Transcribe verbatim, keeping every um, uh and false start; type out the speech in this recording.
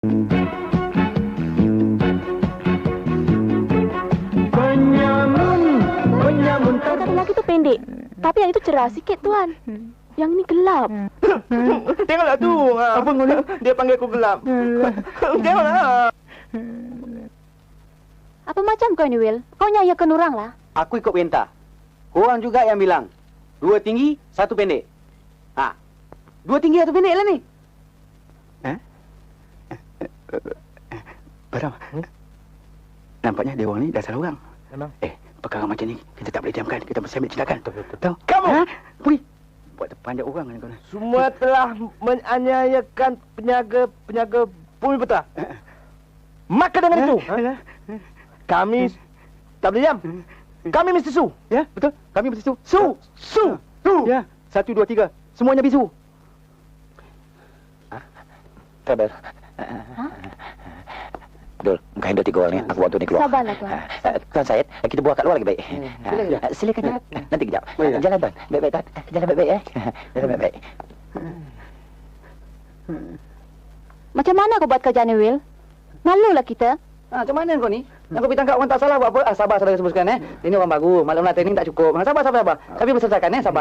Penyamun, penyamun ter... Kata lelaki tu pendek, tapi yang itu cerah sikit, Tuan. Yang ini gelap. Tengoklah tu. Apa kau ni? Dia panggil aku gelap. Tengoklah. Apa macam kau ni, Will? Kau nyayakan orang lah. Aku ikut perintah. Korang juga yang bilang. Dua tinggi, satu pendek. Ha. Dua tinggi, satu pendek lah ni. Eh? Baram. Hmm? Nampaknya dia orang ni dah salah orang. Memang. Eh, perkara macam ni kita tak boleh diamkan. Kita mesti ambil tindakan. Betul, betul. Tahu? Kamu! Ha? Pergi. Buat terpanjat orang ni kau ni. Semua telah menganiayakan penyaga-penyaga bumi putra. Maka dengan itu, kami tak boleh diam. Kami mesti su. Ya, betul. Kami mesti su. Su! Su! Su! Ya, satu, dua, tiga. Semuanya bisu. Sabar. Ha? Dul, bukan handle tiga orang ni. Aku waktu ni keluar. Sabarlah, Tuan. Uh, Tuan Syed, kita buat kat luar lagi baik. Hmm, Uh, silakan, Jap. silakan, Jap. Nanti kejap. Oh, ya. Jalan, Tuan. Baik-baik, Tuan. Jalan baik-baik, eh. Jalan baik-baik. Macam mana kau buat kerja ni, Will? Malulah kita. Ha, macam mana kau ni? Nak kau tangkap orang tak salah buat apa? Ah, sabar saudara semua sekalian, eh. Ini orang baru. Malam nak training tak cukup. Ha, sabar, sabar, sabar. Tapi berselesaikan, eh. Sabar.